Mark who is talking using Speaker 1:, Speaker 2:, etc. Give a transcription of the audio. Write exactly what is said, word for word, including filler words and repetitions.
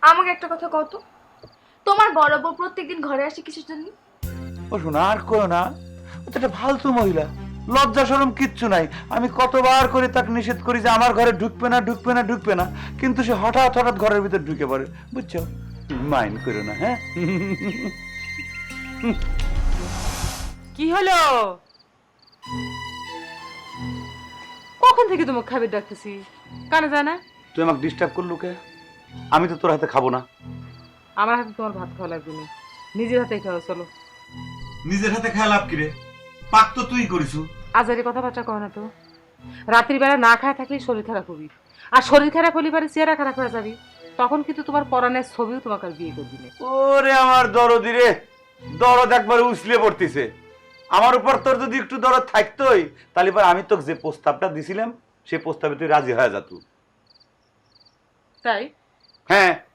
Speaker 1: আমাকে একটা কথা কত, তোমার বড় বউ প্রত্যেকদিন ঘরে আসে কিসের জন্য?
Speaker 2: ও শোনা আর করো না, ও তো একটা ফালতু মহিলা, লজ্জা শরম কিচ্ছু নাই। আমি কতবার করে তাকে নিষেধ করি যে আমার ঘরে ঢুকবে না ঢুকবে না ঢুকবে না, কিন্তু সে হঠাৎ হঠাৎ ঘরের ভিতর ঢুকে পড়ে, বুঝছো? মাইন্ড করো না, হ্যাঁ?
Speaker 3: কি হলো? কখন থেকে তোমাকে খাবার ডাকতেছি, কানে যায় না?
Speaker 2: তুই আমাকে ডিস্টার্ব করলু কে? আমি তো তোর হাতে খাবো না।
Speaker 3: আমার হাতে তোমার ভাত খাওয়া লাগবে না, নিজের হাতে খাওয়া। চলো।
Speaker 2: নিজের হাতে খেয়াল লাভ কিরে? পাক তো তুই করিছু।
Speaker 3: আজারি কথাবার্তা কয় না তো। রাত্রির বেলা না খায় থাকলে শরীর খারাপ হবি, আর শরীর খারাপ হলে পারে চেহারা খারাপ হয়ে যাবি। তখন কিন্তু তোমার পরাণের ছবিও তোমাকে আর বিয়ে করবি না।
Speaker 2: ওরে আমার দরদি রে, দরদ একবার উছলে পড়তিছে। আমার উপর তোর যদি একটু দরদ থাকতোই, তাহলে পর আমি তোকে যে প্রস্তাবটা দিছিলাম সেই প্রস্তাবে তুই রাজি হয়ে যাত।
Speaker 3: তাই?
Speaker 2: হ্যাঁ,